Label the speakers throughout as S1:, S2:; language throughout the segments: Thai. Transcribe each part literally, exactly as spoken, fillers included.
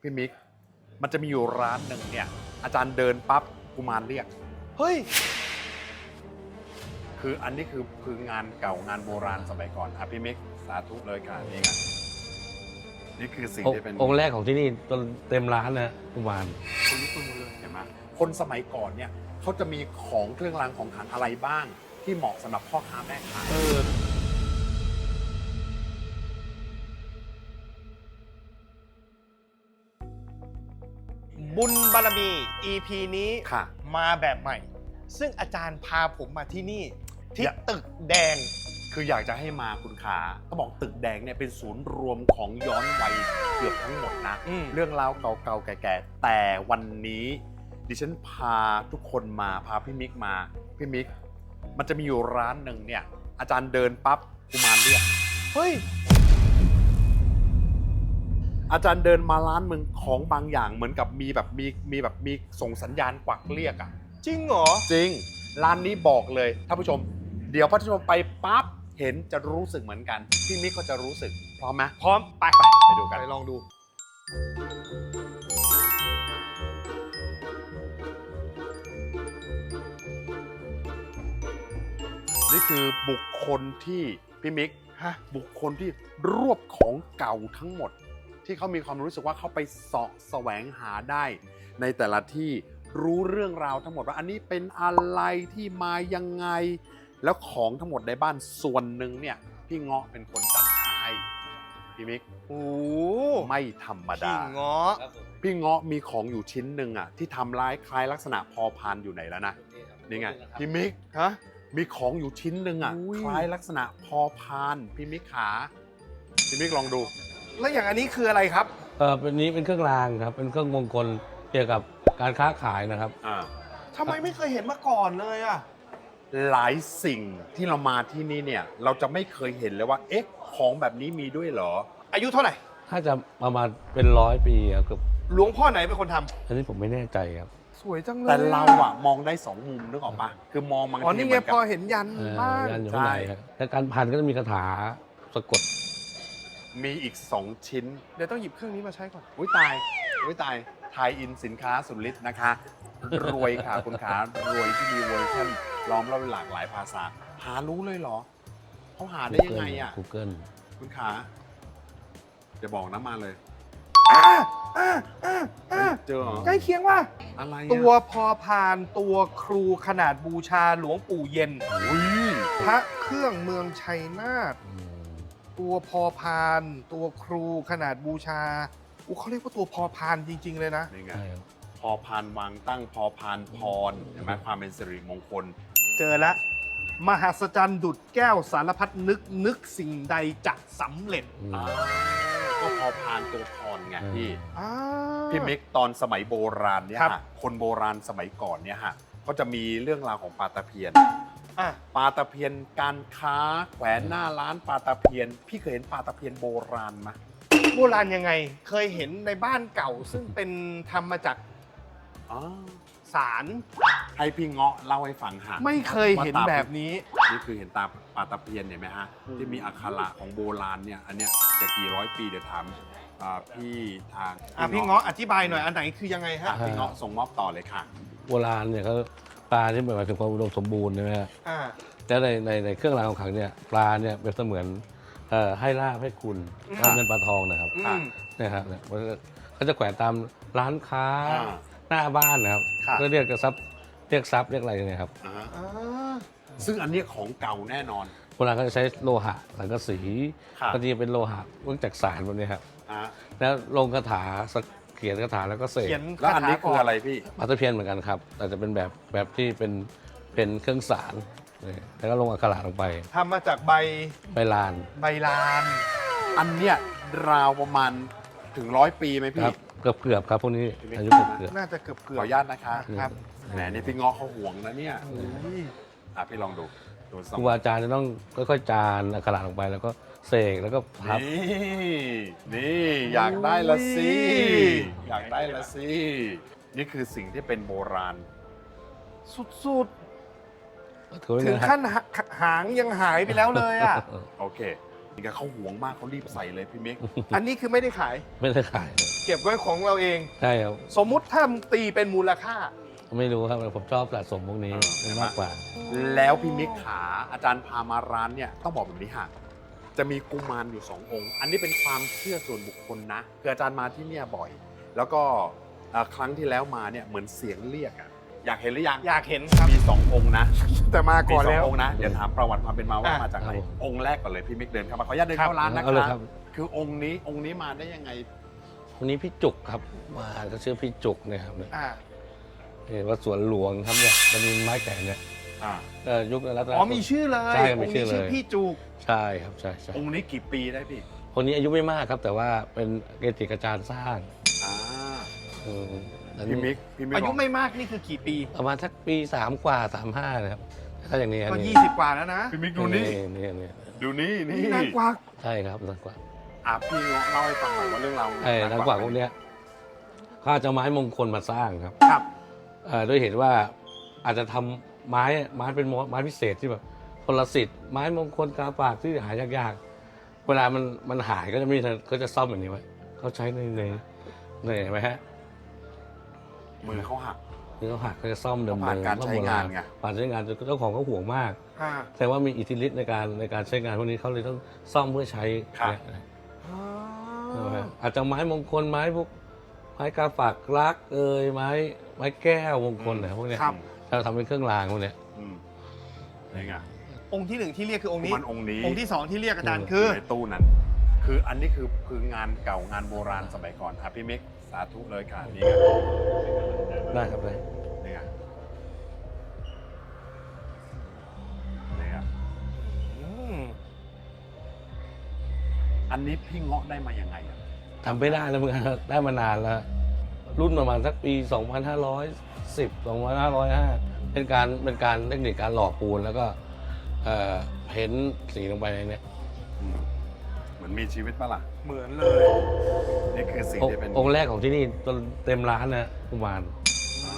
S1: พี่มิกมันจะมีอยู่ร้านหนึ่งเนี่ยอาจารย์เดินปั๊บกุมารเรียก
S2: เฮ้ย
S1: คืออันนี้คือคืองานเก่างานโบราณสมัยก่อนอ่ะพี่มิกสาธุเลยค่ะนี่ไงนี่คือสิ่งที่เป็น
S3: องค์แรกของที่นี่จนเต็มร้านนะกุมาร
S1: คนลุกคนเลยเห็นไหมคนสมัยก่อนเนี่ยเขาจะมีของเครื่องรางของขลังอะไรบ้างที่เหมาะสำหรับพ่อค้าแม่ขาย
S2: บุญบารมี อี พี นี้
S1: ค่ะ
S2: มาแบบใหม่ซึ่งอาจารย์พาผมมาที่นี่ที่ตึกแดง
S1: คืออยากจะให้มาคุณขาเขาบอกตึกแดงเนี่ยเป็นศูนย์รวมของย้อนวัยเกือบทั้งหมดนะเรื่องราวเก่าๆแก่ๆแต่วันนี้ดิฉันพาทุกคนมาพาพี่มิกมาพี่มิกมันจะมีอยู่ร้านหนึ่งเนี่ยอาจารย์เดินปั๊บกุมารเรียก
S2: เฮ้ย
S1: อาจารย์เดินมาร้านมึงของบางอย่างเหมือนกับมีแบบมีมีแบบมีส่งสัญญาณกวักเรียกอ่ะ
S2: จริงเหรอ
S1: จริงร้านนี้บอกเลยท่านผู้ชมเดี๋ยวท่านผู้ชมไปปั๊บเห็นจะรู้สึกเหมือนกันพี่มิกก็จะรู้สึกพร้อมไหม
S2: พร้อมไป
S1: ไปไปดูกัน
S2: ไปลองดู
S1: นี่คือบุคคลที่พี่มิกฮะบุคคลที่รวบของเก่าทั้งหมดที่เขามีความรู้สึกว่าเขาไปเสาะแสวงหาได้ในแต่ละที่รู้เรื่องราวทั้งหมดว่าอันนี้เป็นอะไรที่มายังไงแล้วของทั้งหมดในบ้านส่วนหนึ่งเนี่ยพี่เงาะเป็นคนจัดหาให้พี่มิก
S2: โอ้
S1: ไม่ธรรมดา
S2: พี่เงาะ
S1: พี่เงาะมีของอยู่ชิ้นหนึ่งอ่ะที่ทำร้ายคล้ายลักษณะพอพานอยู่ไหนแล้วนะนี่ไงพี่มิก
S2: ฮะ
S1: มีของอยู่ชิ้นหนึ่งอ่ะคล้ายลักษณะพอพานพี่มิกขาพี่มิกลองดู
S2: แล้วอย่างอันนี้คืออะไรครับ
S3: เออเป็นนี้เป็นเครื่องรางครับเป็นเครื่องมงคลเกี่ยวกับการค้าขายนะครับ
S1: อ่า
S2: ทำไมไม่เคยเห็นมาก่อนเลยอ่ะ
S1: หลายสิ่งที่เรามาที่นี่เนี่ยเราจะไม่เคยเห็นเลยว่าเอ๊ะของแบบนี้มีด้วยเหรอ
S2: อายุเท่าไหร่
S3: ถ้าจะประมาณเป็นร้อยปีครับ
S2: หลวงพ่อไหนเป็นคนทำ
S3: อันนี้ผมไม่แน่ใจครับ
S2: สวยจังเลย
S1: แต่เราอะมองได้สองมุมนึกออกปะคือมองบางที
S2: อ๋อนี่ไงพอเห็นยันบ้าง
S3: ยันอยู่ข้างในครับและการพันก็จะมีคาถาสะกด
S1: มีอีกสองชิ้น
S2: เดี๋ยวต้องหยิบเครื่องนี้มาใช้ก่อน
S1: อุ้ยตายอุ้ยตายไทยอินสินค้าสุดฤทธิ์นะคะรวยค่ะคุณขารวยที่มีเวอร์ชันล้อมรอบหลากหลายภาษาหารู้เลยเหรอเขาหาได้ยังไงอ่ะ
S3: Google
S1: คุณขาจะบอกน้ำมาเลยเจอ
S2: ใกล้เคียงว่า
S1: อะไร
S2: ตัวพอพานตัวครูขนาดบูชาหลวงปู่เย็นพระเครื่องเมืองชัยนาทตัวพอพานตัวครูขนาดบูชาอู้เขาเรียกว่าตัวพอพานจริงๆเลยนะ
S1: นี่ไงพอพานวางตั้งพอพานพรเห็นไหมความเป็นสิริมงคล
S2: เจอแล้วมหัศจรรย์ดุจแก้วสารพัดนึกนึกสิ่งใดจะสำเร็จ
S1: ก็พอพานตัวพรไงพี่พี่มิกตอนสมัยโบราณเนี่ยฮะคนโบราณสมัยก่อนเนี่ยฮะก็จะมีเรื่องราวของปลาตะเพียนปลาตะเพียนการค้าแขวนหน้าร้านปลาตะเพียนพี่เคยเห็นปลาตะเพียนโบราณไหม
S2: โบราณยังไงเคยเห็นในบ้านเก่าซึ่งเป็นทำมาจากสาร
S1: ให้พี่เงาะเล่าให้ฟังหา
S2: ไม่เคยเห็นแบบนี้
S1: นี่คือเห็นตาปลาตะเพียนเห็นไหมฮะที่มีอักขระของโบราณเนี่ยอันเนี้ยจะกี่ร้อยปีเดี๋ยวถามพี่ทาง
S2: พี่เงาะอธิบายหน่อยอันไหนคือยังไงฮะ
S1: พี่เงาะส่งมอบต่อเลยค่ะ
S3: โบราณเนี่ยเขาปลาที่หมายถึงความอุดมสมบูรณ์ใช่ไหมฮะแล้วในในในเครื่องรางของขลังเนี่ยปลาเนี่ยเป็นเสมือนให้ลาบให้คุณปลาเงินปลาทองนะครับนี่ครับเขาจะแขวนตามร้านค้าหน้าบ้านนะครับก็เรียกกระซับเรียกซับเรียกอะไรเนี่ยครับ
S1: ซึ่งอันนี้ของเก่าแน่นอน
S3: โบราณก็จะใช้โลหะสังกะสีก็จะเป็นโลหะเนื่องจากสารพวกนี้ครับแล้วลงคาถาเขียนคาถาแล้วก็เสก
S1: แล้วอันนี้คืออะไรพี่
S3: ปลาตะเพียนเหมือนกันครับแต่จะเป็นแบบแบบที่เป็นเป็นเครื่องสารแล้วก็ลงอักขระลงไป
S2: ทำมาจากใบ
S3: ใบลาน
S2: ใบลาน
S1: อันเนี้ยราวประมาณถึงร้อยปีไหมพี่
S3: เกือบเกือบครับพวกนี้อายุเกือบ
S2: น่าจะเกือบเกือบ
S1: ขออนุญาตนะคะครับแหมนี่พี่เงาะเขาห่วงนะเนี่ยอ่ะพี่ลองดู
S3: ครูอาจารย์จะต้องค่อยๆจานอักขระลงไปแล้วก็เสกแล้วก็พับ
S1: นี่นี่อยากได้ละสิอยากได้ละสินี่คือสิ่งที่เป็นโบราณ
S2: สุดๆถึงขั้นหางยังหายไปแล้วเลยอ่ะ
S1: โอเคนี่ก็เขาหวงมากเขารีบใส่เลยพี่มิก
S2: อันนี้คือไม่ได้ขาย
S3: ไม่ได้ขาย
S2: เก็บไว้ของเราเอง
S3: ใช่ครับ
S2: สมมุติถ้าตีเป็นมูลค่า
S3: ไม่รู้ครับผมชอบสะสมพวกนี้
S1: เออ
S3: มากกว่า
S1: แล้วพี่มิกขาอาจารย์พามาร้านเนี่ยต้องบอกแบบนี้ค่ะจะมีกุมารอยู่สององค์ อันนี้เป็นความเชื่อส่วนบุคคลนะคืออาจารย์มาที่เนี่ยบ่อย แล้วก็เอ่อครั้งที่แล้วมาเนี่ยเหมือนเสียงเรียกอะอยากเห็นหรือยัง
S2: อยากเห็นครับ
S1: มีสององค์นะ
S2: แต่มา
S1: มี
S2: ก่อน
S1: สอง
S2: แล้ว
S1: องค์นะเดี๋ยวถามประวัติความเป็นมาว่า
S2: อ่ะ
S1: มาจากไหน
S3: ครับผม
S1: องค์แรกก่อนเลยพี่มิกเดินเข้ามาขออนุญาตเดินเข้าร้านนะ
S3: เอาเลย
S1: ค
S3: ค
S1: รั
S3: รั
S1: บบ คือองค์นี้องค์นี้มาได้ยังไง
S3: วันนี้พี่จุกครับมาเขาชื่อพี่จุกเนะครับเนี่ย
S2: อ่า
S3: เห็นว่าสวนหลวงครับเนี่ยมันมีไม้แก่เนี่ย
S1: อ่า
S3: เอ่อยุครัตน
S2: อ๋อมีชื่อเลย
S3: ใช่
S2: อง
S3: มี
S2: ค์
S3: ชื่
S2: นี้
S3: อเล
S2: ชื่อย พี่จูก
S3: ใช่ครับใช่ใช่
S1: องค์นี้กี่ปีได้พี่
S3: คนนี้อายุไม่มากครับ แต่ว่าเป็นเกจิอาจารย์สร้าง
S1: อ่า
S3: อืมอันนี้
S1: พี่มิกพี่มิก
S2: อายุ
S1: บก
S2: ไม่มากนี่คือกี่ปี
S3: ประมาณสักปีสามกว่าสามห้านะครับถ้าอย่างนี้อัน
S2: ก็
S3: นี้
S2: ยี่สิบกว่าแล้วนะ
S1: พี่มิกดูนี่
S3: นี่นี่
S1: ดูนี่นี่
S2: นี่นางกวัก
S3: ใช่ครับนางกวัก
S1: อ่ะพี่เงาะเล่าให้ฟังหน่อยว่าเรื่องราว
S3: ไอ้นางกวักพวกเนี้ยเขาอาจจะไม้มงคลมาสร้างครับ
S2: ครับ
S3: เอ่อด้วยเหตุว่าอาจจะทำไม้ไม้เป็นไม้พิเศษที่แบบพลสิทธิ์ไม้มงคลกาปากที่หายากๆเวลามันมันหายก็จะไม่ก็จะซ่อมแบบนี้ไว้เขาใช้ในในในเห็นไหมฮะ
S1: มือเขาหัก
S3: นี่เขาหักเขาจะซ่อมเดิม
S1: ผ่านการใช้งานไง
S3: ผ่านใช้งานเจ้าของเขาห่วงมาก
S2: อ่า
S3: แต่ว่ามีอิทธิฤทธิ์ในการในการใช้งานพวกนี้เขาเลยต้องซ่อมเพื่อใช้เนี่ยใช่ไหมฮะอาจจะไม้มงคลไม้พวกไม้กาฝากรักเอ่ยไม้ไม้แก้วมงคลอะไรพวกเนี้ย
S2: ครับ
S3: เราทำเป็นเครื่องรางพวกเนี้ย
S1: อืมนี่ไง
S2: องค์ที่หนึ่งที่เรียกคือองค์นี้
S1: มันองค์นี้
S2: องค์ที่สองที่เรียกอาจารย์
S3: อืม
S2: คือ
S1: ในตู้นั้น คืออันนี้คือคืองานเก่างานโบราณสมัยก่อนอ่ะพี่มิกสาธุเลยค่ะนี่ไง
S3: ได้ครับได้
S1: นี่ไงนี่ไง
S2: อืม
S1: อันนี้พี่เงาะได้มายังไงอ่ะ
S3: ทำไม่ได้แล้วเหมือนกันได้มานานแล้ว รุ่นประมาณสักปี สองพันห้าร้อยสิบ สองพันห้าร้อยห้า เป็นการเป็นการเทคนิคการหล่อปูนแล้วก็เอ่อเพ้นท์สีลงไปในเนี้ย
S1: อืมเหมือนมีชีวิตปะล่ะ
S2: เหมือนเลย
S1: นี่คือสิ่ง
S3: องค์
S1: ที่เป็น
S3: องค์แรกของที่นี่จนเต็มร้านนะกุมาร
S1: อ่า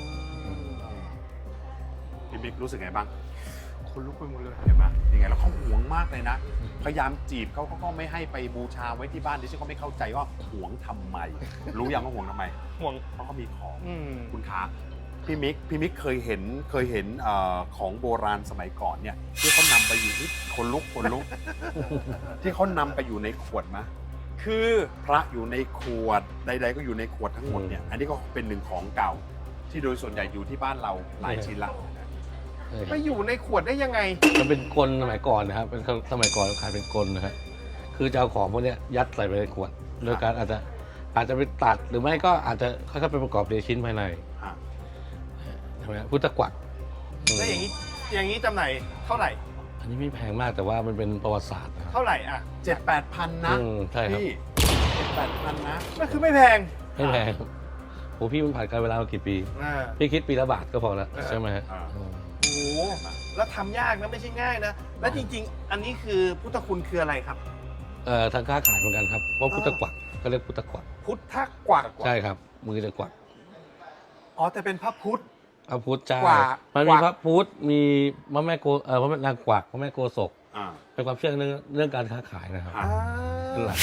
S1: พี่มิกรู้สึกไงบ้าง
S2: คนลุกไปหมดเลย
S1: เห็นไหมยังไงแล้วเขาหวงมากเลยนะ พยายามจีบเขาเขาก็ไม่ให้ไปบูชาไว้ที่บ้านดิฉันก็ไม่เข้าใจว่าหวงทำไม รู้ยังว่าหวงทำไม
S2: ห่วง
S1: เพราะเขามีของ
S2: อืม
S1: คุณค้าพี่มิกพี่มิกเคยเห็นเคยเห็นเออของโบราณสมัยก่อนเนี่ยที่เขานำไปอยู่ที่คนลุกคนลุก ที่เขานำไปอยู่ในขวดมะ
S2: คือ
S1: พระอยู่ในขวดใด ๆ ก็อยู่ในขวดทั้งหมดเนี่ยอันนี้ก็เป็นหนึ่งของเก่า ที่โดยส่วนใหญ่อยู่ที่บ้านเราหลายชิ้นละ
S2: ไปอยู่ในขวดได้ยังไง
S3: มันเป็นกลสมัยก่อนนะครับเป็นสมัยก่อนขายเป็นกลนะครับคือจะเอาของพวกเนี้ยยัดใส่ไปในขวดโดยการอาจจะอาจจะไปตัดหรือไม่ก็อาจจะค่อยๆไปประกอบในชิ้นภายใน
S1: อ่ะ
S3: ใช่ไหมพุทธกวัก
S2: แล้วอย่างนี้ อย่างนี้จำหน่ายเท่าไหร่
S3: อันนี้ไม่แพงมากแต่ว่ามันเป็นประวัติศาสตร์นะครับ
S2: เท่าไหร่อ่ะ
S1: เจ็ดแปดพันนะ
S3: อืมใช่ครับ
S1: พี่เจ็ดแปดพันนะ
S2: นั่นคือไม่แพง
S3: ไม่แพงโอ้พี่มันผ่านการเวลามากี่ปี
S2: อ่า
S3: พี่คิดปีละบาทก็พอแล้ว
S2: เออ
S3: ใช่ไหมฮะ
S1: อ่า
S3: อืม
S2: โอ้โห แล้วทำยากนะไม่ใช่ง่ายนะ แล้วจริง ๆ อันนี้คือพุทธคุณคืออะไรครับ
S3: เอ่อทางค้าขายเหมือนกันครับเพราะพุทธกวักก็เรียกพุทธกวัก
S2: พุทธกวัก
S3: ใช่ครับ มือจะกวัก
S2: อ๋อ แต่เป็นพระพุทธ
S3: พระพุทธเจ้าก
S2: วัก
S3: มัน
S2: ก
S3: มี
S2: วัก
S3: พระพุทธมีพระแม่โกเอ่อพระแม่นางกวักพระแม่โกศก
S1: อ่า
S3: เป็นความเชื่อเรื่องเรื่องการค้าขายนะครับ
S1: อ่า
S2: อ่า
S3: เป็นหลัก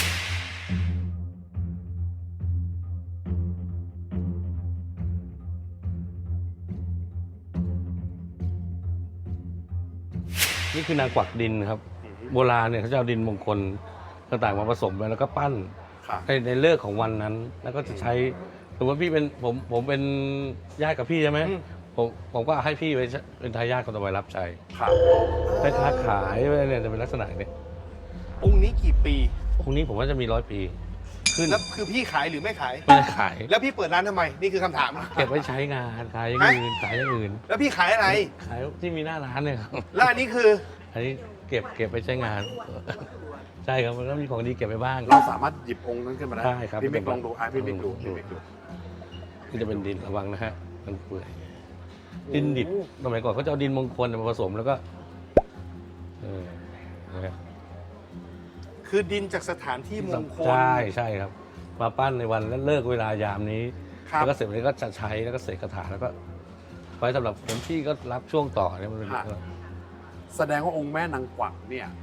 S3: นี่คือนางกวักดินครับ โบราณเนี่ยเขาจะเอาดินมงคลต่างๆมาผสมกันแล้วก็ปั้น
S1: ค่ะ
S3: ในในเลิกษ์ของวันนั้น แล้วก็จะใช้สมมติว่าพี่เป็นผมผมเป็นญาติกับพี่ใช่ไหม
S2: อืม
S3: ผมผมก็ให้พี่ไปเป็นทายาทคนต่อไปรับใช้
S1: ค่ะ
S3: ไปค้าขายอะไรเนี่ยจะเป็นลักษณะอย่างนี้
S2: องค์นี้กี่ปี
S3: องค์นี้ผมว่าจะมีร้อยปีขึ้น
S2: แล้วคือพี่ขายหรือไม่ขาย
S3: ไม่ได้ขาย
S2: แล้วพี่เปิดร้านทำไม นี่คือคำถาม
S3: เก็บไว้ใช้งานขายอย่างอื่นขายอย่างอื่น
S2: แล้วพี่ขายอะไร
S3: ขายที่มีหน้าร้านเนี่ยครับ
S2: แล้วอันนี้คือ
S3: อันนี้เก็บเก็บไปใช้งาน ใช่ครับมันก็มีของดีเก็บไปบ้าง
S1: เราสามารถหยิบองค์นั้นขึ้นมาได้
S3: ได้ครับ
S1: พี่มิกลองดูอ่ะพี่มิกดูพี่มิกดู
S3: นี่จะเป็นดินระวังนะฮะมันเปื่อยดินดิบสมัยก่อนเขาจะเอาดินมงคลมาผสมแล้วก็เออนะฮะ
S2: คือดินจากสถานที่มงคล
S3: ใช่ใช่ครับ มาปั้นในวันแล้วเลิกเวลายามนี้
S2: ครับ
S3: แล้วก็เสร็จแล้วก็จะใช้แล้วก็เสกคาถาแล้วก็ไว้สำหรับคนที่ก็รับช่วงต่อเนี่ยมันเป็น
S1: แสดงว่าองค์แม่นางกวักเนี่ย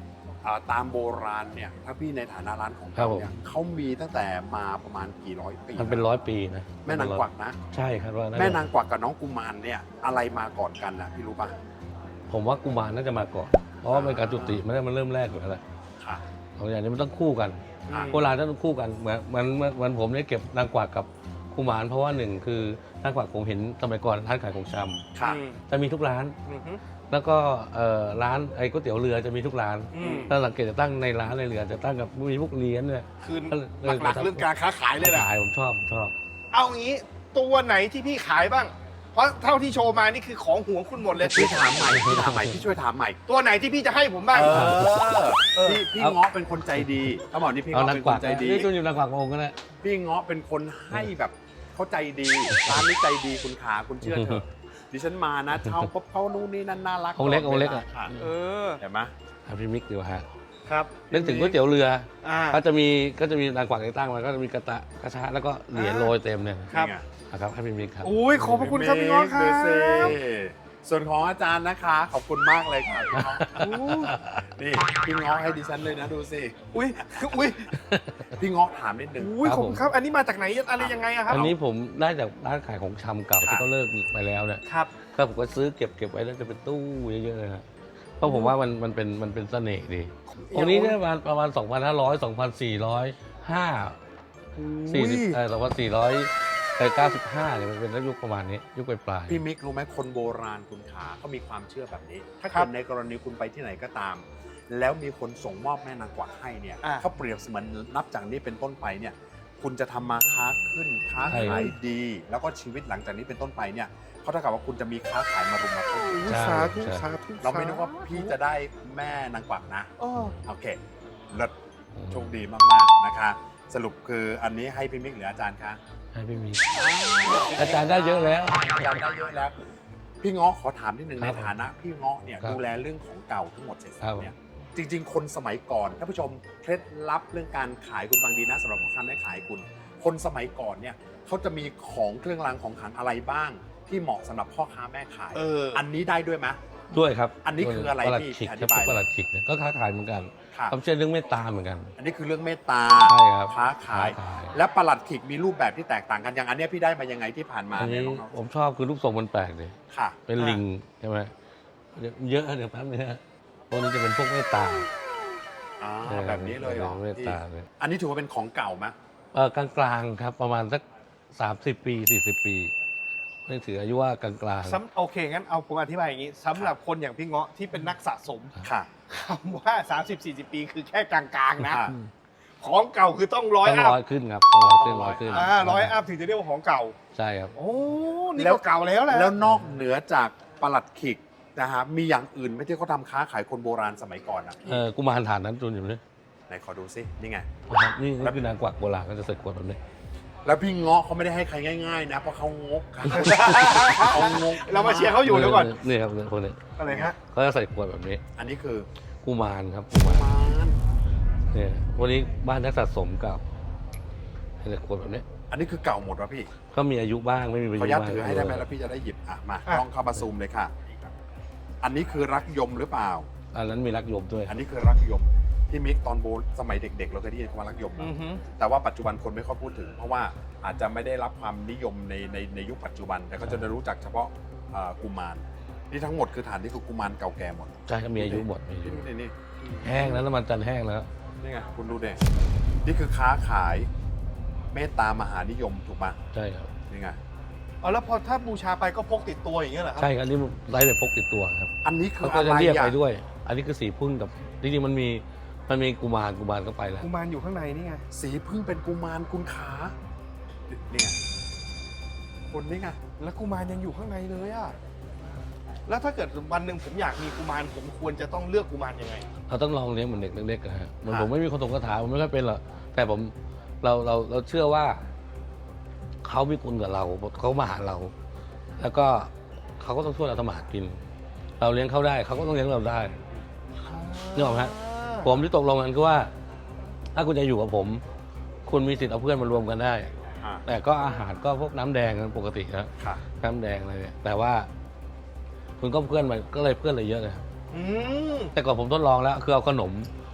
S1: อ่าตามโบราณเนี่ยถ้าพี่ในฐานะร้านของเขาเนี่ยเขามีตั้งแต่มาประมาณกี่ร้อยปี
S3: มันเป็นร้อยปีนะ
S1: แม่นางกวักนะ
S3: ใช่ครับว่า
S1: แม่นางกวักกับน้องกุมารเนี่ยอะไรมาก่อนกันนะพี่รู้ป่ะ
S3: ผมว่ากุมารน่าจะมาก่อนเพราะว่าเป็นการจุติมันมันเริ่มแรกอยู่แล้วแหละ
S1: ค่ะ
S3: สองอย่างนี้มันต้องคู่กัน
S1: อ่า
S3: โบราณต้องคู่กันเหมือนเหมือนเหมือนเหมือนผมได้เก็บนางกวักกับกุมารเพราะว่าหนึ่งคือนางกวักผมเห็นสมัยก่อนร้านขายของช
S1: ค่ะ
S3: ำจะมีทุกร้าน
S2: อือฮึ
S3: แล้วก็เอ่อร้านไอ้ก๋วยเตี๋ยวเรือจะมีทุกร้าน
S2: อืม
S3: ถ้าสังเกตจะตั้งในร้านในเรือจะตั้งกับมีพวกเลี้ยนเนี่ย
S2: คือ
S3: ก็เลย
S2: หลักๆเรื่องการค้าขายเลยแหละ
S3: ขายผมชอบผมชอบ
S2: เอางี้ตัวไหนที่พี่ขายบ้าง เพราะเท่าที่โชว์มานี่คือของห่วงคุณหมดเลย
S1: พี่ถามใหม่พี่ถามใหม่พี่ช่วยถามใหม่
S2: ตัวไหนที่พี่จะให้ผมบ้าง
S1: เออ
S2: เออ
S1: พี่พี่
S3: เอา
S1: เงาะเป็นคนใจดีเขาบอกนี่พี่
S3: เอา
S1: เงาะ
S3: นาง
S1: เป็น
S3: ก
S1: ค
S3: วัก
S1: นใจดี
S3: นี่จุนอยู่นางกวักองค์ก็ได้
S1: พี่เงาะเป็นคนให้แบบเขาใจดีร้านนี้ใจดีคุณขาคุณเชื่อเถอะดิฉันมานะเช่าปุ๊บเขานู่นนี่นั่นน่ารัก
S3: องค์เล็กองค์เล็กอะ
S1: ค่ะ
S2: เออ
S1: เห็นไหม
S3: อ่ะพี่มิกดีกว่าฮะ
S2: ครับ
S3: นึกถึงก๋วยเตี๋ยวเรือ
S2: อ่า
S3: ก็จะมีก็จะมีนางกวักตั้งมาก็จะมีกระตะกระชะแล้วก็เหรียญโรยเต็มเนี่ย
S2: ครับ
S1: นี่ไง
S3: นะครับให้พี่มิกครับ
S2: อุ้ยขอบพระคุณครับพี่ง้อครั
S1: ดูสิ
S2: บ
S1: ส่วนของอาจารย์นะคะ ขอบคุณมากเลยค่ะพี่เงาะ
S2: อู้
S1: นี่พี่เงาะให้ดิฉันเลยนะดูสิ
S2: อุ้ยอุ้ย
S1: พี่เงาะถามนิดนึง
S2: อุ้ยขอบคุณครับ อันนี้มาจากไหนอะไรยังไงอะครับ
S3: อันนี้ผมได้จากร้านขายของชำเก่า
S1: ครับ
S3: ที่เขาเลิกไปแล้วเนี่ย
S2: ครับ
S3: ก็ผมก็ซื้อเก็บเก็บไว้แล้วจะเป็นตู้เยอะๆเลยฮะเพราะผมว่ามันมันเป็นมันเป็นเสน่ห์ดีองค์นี้เนี่ยประมาณประมาณสองพันห้าร้อยสองพันสี่ร้อยห้าสี่สิบเออสองพันสี่ร้อยเก้าสิบห้าเนี่ยมันเป็นยุคประมาณนี้ยุคปลายๆ
S1: พี่มิกรู้ไหมคนโบราณคุณขาเขามีความเชื่อแบบนี้ ถ้า
S2: ครั
S1: เกิ
S2: บ
S1: ดในกรณีคุณไปที่ไหนก็ตาม แล้วมีคนส่งมอบแม่นางกวักให้เนี่ย
S2: อ่า
S1: เขาเปรียบเสมือนนับจากนี้เป็นต้นไปเนี่ยคุณจะทำมาค้าขึ้นค้า
S3: ใช่
S1: ขายดี แล้วก็ชีวิตหลังจากนี้เป็นต้นไปเนี่ยเขาเท่ากับว่าคุณจะมีค้าขายมารุมมาตุ้ม
S2: อุ้ย
S3: ใช่
S2: สาธุ
S3: ใช่
S2: สาธุ
S1: เราไม่นึกว่าพี่จะได้แม่นางกวักนะ
S2: อ้อ
S1: โอเคเลิศโชคดีมากๆนะคะ สรุปคืออันนี้ให้พี่มิกหรืออาจารย์คะ
S3: ให้พี่มิกอาจารย์ได้เยอะแล้ว
S1: อาจารย์ได้เยอะแล้ว พี่เงาะขอถามนิดนึง
S3: ค
S1: ใน
S3: รับ
S1: ฐานะพี่เงาะเนี่ย
S3: ครับ
S1: ดูแลเรื่องของเก่าทั้งหมดเสร็จสั
S3: ครับ บ
S1: เนี่ยจริง ๆ คนสมัยก่อนท่านผู้ชมเคล็ดลับเรื่องการขายคุณฟังดีนะสำหรับพ่อค้าแม่ขายคุณ คนสมัยก่อนเนี่ยเขาจะมีของเครื่องรางของขลังอะไรบ้าง ที่เหมาะสำหรับพ่อค้าแม่ขาย
S2: เอออั
S1: อันนี้ได้ด้วยไหม
S3: ด้วยครับ
S1: อันนี้คืออะไร
S3: ประหลัด
S1: พี่
S3: ขิก
S1: อ
S3: ค
S1: ธิ
S3: รับ
S1: บาย
S3: ประหลัดขิกเนี่ยก็ค้าขายเหมือนกัน
S1: ค่ะ
S3: ความเชื่อเรื่องเมตตาเหมือนกัน
S1: อันนี้คือเรื่องเมตตา
S3: ใช่ครับ
S1: ค้าขาย
S3: ค้าขาย
S1: และประหลัดขิกมีรูปแบบที่แตกต่างกันอย่างอันเนี้ยพี่ได้มายังไงที่ผ่านมา
S3: อัน
S1: เนี่ย
S3: นี้
S1: น้อง
S3: ผมชอบคือรูปทรงมันแปลกเลย
S1: ๆค่ะ
S3: เป็นลิงใช่ไหมเดี๋ยวเยอะเดี๋ยวแป๊บนึงนะพวกนี้จะเป็นพวกเมตตา
S1: อ่าแบบนี้เลยเหรอ
S3: เมตตาเลย
S1: อันนี้ถือว่าเป็นของเก่าไหม
S3: เออกลางๆครับประมาณสักสามสิบปีสี่สิบปีไม่ถืออายุว่ากลางๆ
S2: ซ้ำโอเค งั้นเอาผมอธิบายอย่างนี้สำหรับคนอย่างพี่เงาะที่เป็นนักสะสม
S1: ค่ะ
S2: คำว่า สามสิบสี่สิบ ปีคือแค่กลางๆนะ
S1: ค่ะ
S2: ของเก่าคือต้องร้อย
S3: ต้อง
S2: อัพ
S3: ร้อยขึ้นครับต้องร้อยขึ้นร้อยขึ้น
S2: อ่าร้อยอัพถึงจะเรียกว่าของเก่า
S3: ใช่ครับ
S2: โอ้ นี่
S1: แล้ว
S2: ก็เก่าแล้วแหละ
S1: แล้วนอกเหนือจากประหลัดขิกนะฮะมีอย่างอื่นไหม่ที่เขาทำค้าขายคนโบราณสมัยก่อนนะพี่
S3: เออกุมารฐานนั้นจุนอยู่เลย
S1: ไหนขอดูซินี่ไง
S3: นะครับนี่นี่คือนางกวักโบราณก็จะใส่ขวดแบบนี้
S1: แล้วพี่เงาะเขาไม่ได้ให้ใครง่ายๆนะเพราะเขางกกันเขางก
S2: เรามาเชียร์เขาอยู่เดี๋ยวก่อน
S3: นี่ครับพวกนี้
S2: อะไรฮะ
S3: เขาจะใส่ขวดแบบนี้
S1: อันนี้คือ
S3: กุมารครับกุมาร
S1: มาน
S3: เนี่ยวันนี้บ้านนักสะสมเก่าให้ใส่ขวดแบบนี้
S1: อันนี้คือเก่าหมดวะพี่
S3: ก็มีอายุบ้างไม่มีอายุ
S1: ขออนุญาต
S3: บ้าง
S1: ถือให้ได้ไหมแล้วพี่จะได้หยิบอ่ะมา
S2: อ่ะ
S1: ลองเข้ามาซูมเลยค่ะ อันนี้คือรักยมหรือเปล่า
S3: อันนั้นมีรักยมด้วย
S1: อันนี้คือรักยมพี่มิกตอนโบสมัยเด็กๆเราเคยได้ยินคำว่ารักยมนะ
S2: อือฮึ
S1: แต่ว่าปัจจุบันคนไม่ค่อยพูดถึง เพราะว่าอาจจะไม่ได้รับความนิยมในในในยุคปัจจุบัน แต่ก็จะได้รู้จักเฉพาะเอ่อกุมารนี่ทั้งหมดคือฐานที่คือกุมารเก่าแก่หมด
S3: ใช่ครับมีอายุหมดมีอายุ
S1: นี่นี่
S3: แห้งแล้วน้ำมันจันทร์แห้งแล้ว
S1: นี่ไงคุณดูเด็นี่คือค้าขายเมตตามหานิยมถูกปะ
S3: ใช่ครับ
S1: นี่ไง
S2: เอาแล้วพอถ้าบูชาไปก็พกติดตัวอย่างเงี้ยเหรอครั
S3: ใช่ครับอันนี้ไร้ไปพกติดตัวครับ
S1: อันนี้คือ
S3: เขาก็
S1: อะไร
S3: จะเรียก
S1: อ่ะ
S3: ไปด้วย อันนี้คือสีพึ่งกับจริงๆมันมีมันมีกุมารกุมารก็ไปแล้ว
S2: กุมารอยู่ข้างในนี่ไง
S1: สีพึ่งเป็นกุมารคุณขานี่ไงคุณนี่ไง
S2: แล้วกุมารยังอยู่ข้างในเลยอะแล้วถ้าเกิดวันหนึ่งผมอยากมีกุมารผมควรจะต้องเลือกกุมารยังไง
S3: เราต้องลองเลี้ยงเหมือนเด็กเล็กๆนะฮะเหมัน
S1: ค่ะ
S3: ผมไม่มีคนตรงคาถาผมไม่ค่อยเป็นหรอกแต่ผมเราเราเราเชื่อว่าเขามีคุณกับเราเขามาหาเรา แล้วก็เขาก็ต้องช่วยเราทำมาหากิน เราเลี้ยงเขาได้เขาก็ต้องเลี้ยงเราได้นึกออกไหมฮะผมที่ตกลงกันคือว่า ถ้าคุณจะอยู่กับผม คุณมีสิทธิ์เอาเพื่อนมารวมกันได้
S1: อ่า
S3: แต่ก็อาหารก็พวกน้ำแดงกันปกตินะ
S1: ค่ะ
S3: น้ำแดงอะไรเนี่ยแต่ว่า คุณก็เพื่อนมาก็เลยเพื่อนเลยเยอะเลย
S2: อืม
S3: แต่ก่อนผมทดลองแล้วคือเอาขนม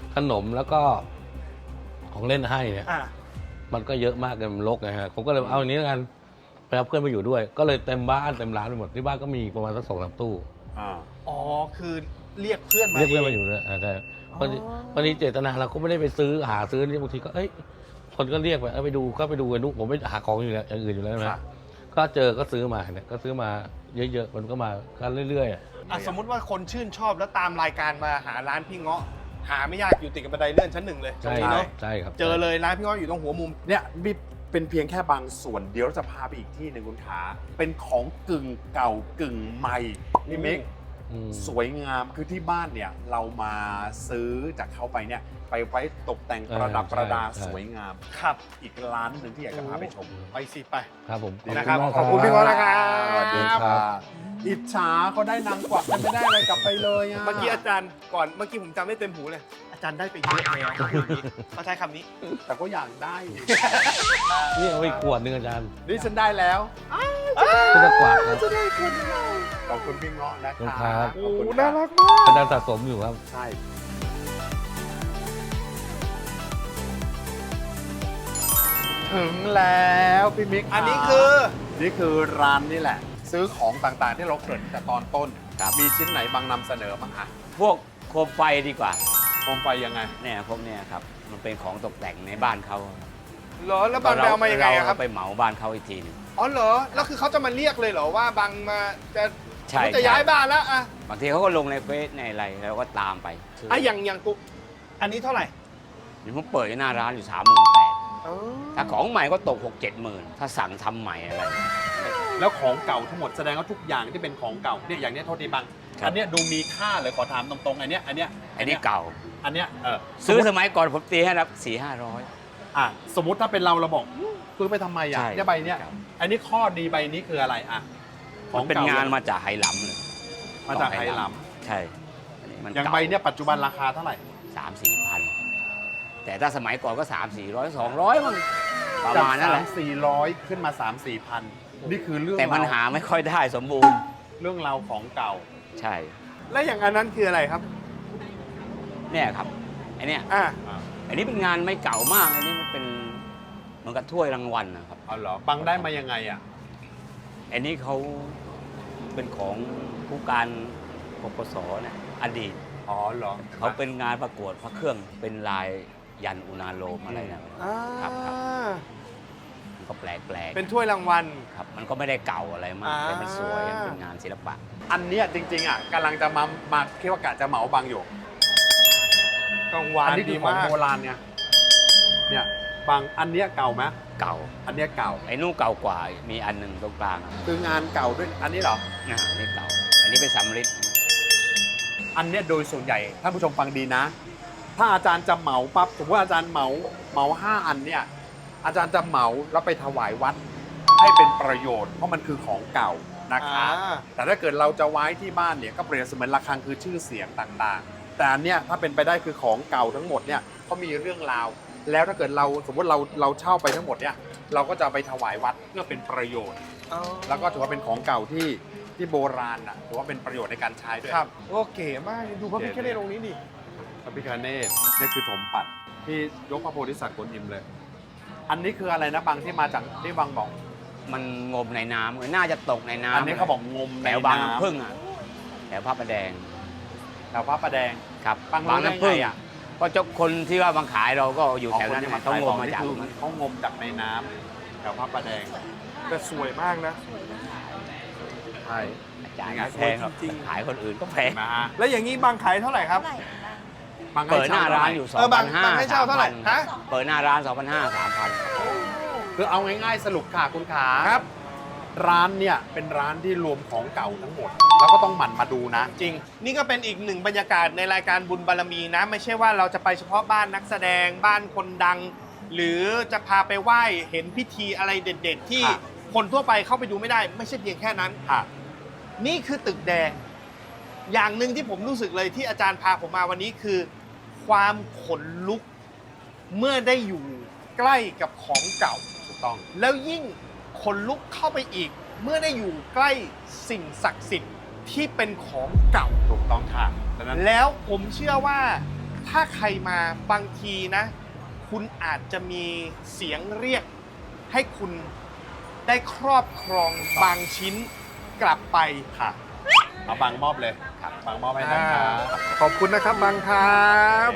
S3: ขนมแล้วก็ของเล่นให้เนี่ย
S2: อ่ะ
S3: มันก็เยอะมากเลยมันรกนะฮะผมก็เลยเอาอย่างนี้แล้วกันไปเอาเพื่อนมาอยู่ด้วย ก็เลยเต็มบ้านเต็มร้านไปหมดที่บ้านก็มีประมาณสักสองสามตู้
S1: อ่า
S2: อ๋อคือเรียกเพื่อนมา
S3: เรียกเพื่อน
S2: ง
S3: มาอยู่ด้วยอ่าใช่
S2: อ๋อ
S3: พอดีพอดีเจตนาเราก็ไม่ได้ไปซื้อหาซื้อนี่บางทีก็เอ้ยคนก็เรียกไปเออไปดูก็ไปดูกันดูผมไม่หาของอยู่แล้วอย่างอื่นอยู่แล้วนะก็เจอก็ซื้อมาเนี่ยก็ซื้อมาเยอะๆมันก็มากันเรื่อยๆ
S2: อ่ะสมมุติว่าคนชื่นชอบแล้วตามรายการมาหาร้านพี่เงาะหาไม่ยากอยู่ติดกับบันไดเลื่อนชั้นหนึ่งเลยตร
S3: ใช่
S2: งนี้เนาะ
S3: ใช่ครับ
S2: เจอเลยร้านพี่เงาะอยู่ตรงหัวมุม
S1: เนี่ยมีเป็นเพียงแค่บางส่วนเดี๋ยวเราจะพาไปอีกที่หนึ่งคุณขาเป็นของกึ่งเก่ากึ่งใหม่พี่มิก
S3: อืม
S1: สวยงามคือที่บ้านเนี่ยเรามาซื้อจากเขาไปเนี่ยไปไว้ตกแต่งประดับ
S3: เออใช่
S1: ประดา
S3: ใช่
S1: สวยงาม
S2: ครับ
S1: อีกร้านหนึ่งที่อยากจะพาไปชม
S2: ไปสิไป
S3: ครับผม
S2: นะครับ
S3: มาก
S2: ขอบคุณพี่เงาะนะครับ
S1: สวัสดีค่ะอิจฉาเขาได้นางกวักกันไม่ได้อะไรกลับไปเลยอะ
S2: เมื่อกี้อาจารย์ก่อนเมื่อกี้ผมจำได้เต็มหูเลย อาจารย์ได้ไปเยอะแล้วเขาใช้คำนี้
S1: แต่ก็อยากได้
S3: นี่เอาไปขวดหนึงอาจารย์
S1: นี่ฉันได้แล้ว
S3: ก็จะกวาดครับ
S1: จะได้คนเดียวขอบคุณพี่เงาะนะ
S3: ขอบ
S1: คะ
S3: คุณครับ
S1: ขอบคุณ
S2: น่า
S1: ค่ะ
S2: รักมาก
S3: อาจารย์สะสมอยู่ครับ
S1: ใช่ ถึงแล้วพี่มิก
S2: อันนี้คือ
S1: นี่คือร้านนี่แหละ ซื้อของต่างๆที่เราเกริ่นแต่ตอนต้น
S4: ครับ
S1: มีชิ้นไหนบางนำเสนอบ้างอ่ะ
S4: พวกโคมไฟดีกว่า
S1: โคมไฟยังไง
S4: เนี่ยพวกเนี้ยครับมันเป็นของตกแต่งในบ้านเขา
S2: เหรอแล้วบางไปเอามายังไงอะครับ
S4: เาไปเหมาบ้านเขาอีกทีหนึง
S2: อ๋อเหรอแล้วคือเขาจะมาเรียกเลยเหรอว่าบางมาจะ
S4: ใช่
S2: เขาจะย้ายบ้านแล้วอะ
S4: บางทีเขาก็ลงในเฟซในอะไรแล้วก็ตามไปซื้อ
S2: อ่ะอย่างอย่างกูอันนี้เท่าไหร่
S4: เดี๋ยวผมเปิดหน้าร้านอยู่สามหมื่นแปด
S2: อ๋อ
S4: ถ้าของใหม่ก็ตกหกเจ็ดหมื่นถ้าสั่งทำใหม่อะไร
S1: แล้วของเก่าทั้งหมดแสดงว่าทุกอย่างที่เป็นของเก่าเนี่ยอย่างเนี้ยโทษทีบัง
S4: ครับ
S1: อันเนี้ยดูมีค่าเลยขอถามตรงๆอันเนี้ยอันเนี้ย
S4: อันนี้เก่า
S1: อันเนี้ยเออ
S4: ซื้อ
S1: ส
S4: ส
S1: มมติ
S4: มัยก่อนผมตีให้รับสี่ห้าร้อย
S1: อ่ะสมมติถ้าเป็นเราเราบอกซื้อไปทำไมอ่ะ
S4: ใช่
S1: เนี่ยใบเนี้ย
S4: ครับ
S1: อันนี้ข้อดีใบนี้คืออะไรอ่ะข
S4: มั
S1: อง
S4: นเป็น
S1: เก่าง
S4: านมาจากไหหลำเลย
S1: มาจากไหหล
S4: ใช่อันนี้มัน
S1: ำอย่าง
S4: เก่า
S1: ใบเนี้ยปัจจุบันราคาเท่าไหร่
S4: สามสี่พันแต่ถ้าสมัยก่อนก็สามสี่ร้อยสองร้อยมั้งประมาณนั้นแหละ
S1: จากสามสี่ร้อยขึ้นมาสามสี่พันนี่คือเรื่อง
S4: แต่มัน
S1: ราว
S4: หาไม่ค่อยได้สมบูรณ์
S1: เรื่องราวของเก่า
S4: ใช่
S2: แล้วอย่างอันนั้นคืออะไรครับ
S4: เนี่ยครับไอเนี่ย
S2: อ่ะ
S4: อันนี้เป็นงานไม่เก่ามากอันนี้มันเป็นเหมือนกับถ้วยรางวัลนะครับ
S1: เอาเหรอบังได้มายังไงอ่ะ
S4: อันนี้เขาเป็นของผู้การปปสเนี่ยอดีต
S1: อ๋อเหรอ
S4: เขาเป็นงานประกวดพระเครื่องเป็นลายยันอุณาโลมอะไรนะ
S2: อ่า
S4: ครับครับ มันก็แปลกแปลก
S2: เป็นถ้วยรางวัล
S4: ครับ มันก็ไม่ได้เก่าอะไรมาก
S2: อ่า
S4: แต่มันสวยเป็นงานศิลปะ
S1: อันเนี้ยจริงๆอ่ะกำลังจะมามาคิดว่ากะจะเหมาบังอยู่
S2: กลางวัน
S1: อันนี้คื
S2: ดี
S1: อของ
S2: มาก
S1: โบราณเนี่ยเนี่ยบางอันเนี้ยเก่าไหม
S4: เก่า
S1: อันเนี้ยเก่า
S4: ไอ้นู่นเก่ากว่ามีอันหนึ่งตรงกลาง
S1: คืองานเก่าด้วยอันนี้เหรอ
S4: อ่านี่เก่า อันนี้เป็นสำริด
S1: อันเนี้ยโดยส่วนใหญ่ท่านผู้ชมฟังดีนะ ถ้าอาจารย์จะเหมาปั๊บสมมติว่าอาจารย์เหมาเหมาห้าอันเนี่ยอาจารย์จะเหมาแล้วไปถวายวัดให้เป็นประโยชน์เพราะมันคือของเก่านะคะ
S2: อ่า
S1: แต่ถ้าเกิดเราจะไว้ที่บ้านเนี่ยก็เปรียบเสมือนระฆังคือชื่อเสียงต่างๆ แต่อันเนี้ยถ้าเป็นไปได้คือของเก่าทั้งหมดเนี่ยเขามีเรื่องราว แล้วถ้าเกิดเราสมมติเราเราเช่าไปทั้งหมดเนี่ยเราก็จะเอาไปถวายวัดเพื่อเป็นประโยชน์
S2: อ๋อ
S1: แล้วก็ถือว่าเป็นของเก่าที่ที่โบราณนะถือว่าเป็นประโยชน์ในการใช้ด้วย
S2: ครับโอเก๋มากดูพระพิฆเนศองค์นี้ดิ
S1: พระพิฆเนศนี่คือถมปัดที่ยกพระโพธิสัตว์กวนอิมเลย อันนี้คืออะไรนะบางที่มาจากที่บางบอก
S4: มันงมในน้ำเออน่าจะตกในน้ำ
S1: อันนี้เขาบอกงม
S4: แถ
S1: ใน
S4: วบาง
S1: น้ำ
S4: น้ำพึ่งอ่ะแถวพระประแดง
S1: แถวพระประแดง
S4: ครับ
S1: บางรู้ได้
S4: น้ำพึ่ง
S1: ไงอะ
S4: ก็เจ้าคนที่ว่าบางขายเราก็อยู่แถวนั้น
S1: ที่
S4: นะต้องงมมา
S1: นี่
S4: จาก
S1: คือ
S4: ตรงนั้น
S1: เขางมจากในน้ำแถวพระประแดง
S2: แต่สวยมากนะ
S1: ใช่
S4: อาจารย์
S1: ยังไง
S4: แพงหรอก
S2: จริงๆ
S4: ขายคนอื่นก็แพง
S1: มา
S2: แล้วอย่างนี้บางขายเท่าไหร่ครับ
S1: บาง
S4: เปิดหน้าร้านอยู่
S2: เออบาง
S4: สองพันห้า
S2: บางให้เช่าเท่าไหร่ฮะ
S4: เปิดหน้าร้านสองพันห้าสามพัน
S1: คือเอาง่ายๆสรุปค่ะคุณขา
S2: ครับ
S1: ร้านเนี่ยเป็นร้านที่รวมของเก่าทั้งหมด แล้วก็ต้องหมั่นมาดูนะ
S2: จริง นี่ก็เป็นอีกหนึ่งบรรยากาศในรายการบุญบารมีนะ ไม่ใช่ว่าเราจะไปเฉพาะบ้านนักแสดงบ้านคนดัง หรือจะพาไปไหว้เห็นพิธีอะไรเด็ด ๆ ที่
S1: ค่ะ
S2: คนทั่วไปเข้าไปดูไม่ได้ ไม่ใช่เพียงแค่นั้น
S1: ค่ะ
S2: นี่คือตึกแดง อย่างหนึ่งที่ผมรู้สึกเลยที่อาจารย์พาผมมาวันนี้คือ ความขนลุก เมื่อได้อยู่ใกล้กับของเก่า
S1: ถูกต้อง
S2: แล้วยิ่งขนลุกเข้าไปอีก เมื่อได้อยู่ใกล้สิ่งศักดิ์สิทธิ์ที่เป็นของเก่า
S1: ถูกต้องค่ะดังนั้น
S2: แล้วผมเชื่อว่าถ้าใครมาบางทีนะ คุณอาจจะมีเสียงเรียก ให้คุณได้ครอบครองบางชิ้นกลับไป
S1: ค่ะเอาบางมอบเลยครับบางมอบให้นะครับ
S2: อ่าขอบคุณนะครับบางครับ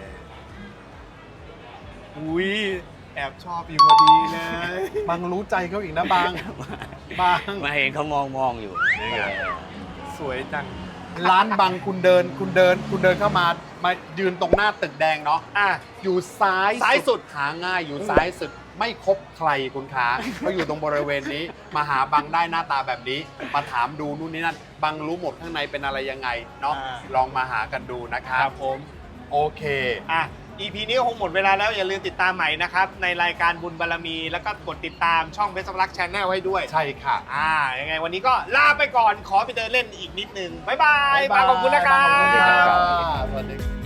S2: อุ้ยแอบชอบอยู่พอดีเลย
S1: บางรู้ใจเขาอีกนะบาง บาง
S4: มาเห็นเขามองมองอยู่
S1: นี่ไง
S2: สวยจัง
S1: ร้านบางคุณเดินคุณเดิน คุณเดินเข้ามามายืนตรงหน้าตึกแดงเนาะ
S2: อ่ะ
S1: อยู่ซ้าย
S2: ซ้ายสุด
S1: หาง่ายอยู่ซ้ายสุดไม่คบใครคุณค้าเขาอยู่ตรงบริเวณนี้ มาหาบังได้หน้าตาแบบนี้ มาถามดูนู่นนี่นั่นบังรู้หมดข้างในเป็นอะไรยังไงเนาะ
S2: อ่า
S1: ลองมาหากันดูนะครับ
S2: ครับผม
S1: โอเค
S2: อ่ะ อี พี นี้ก็คงหมดเวลาแล้วอย่าลืมติดตามใหม่นะครับ ในรายการบุญบารมี แล้วก็กดติดตามช่องเบสรักแชนแนลให้ด้วย
S1: ใช่ค่ะ
S2: อ่า ยังไงวันนี้ก็ลาไปก่อนขอไปเดินเล่นอีกนิดนึง บ๊ายบายบางขอบคุณนะครั
S1: ขอบคุณครับ
S2: บ
S1: สวัสดี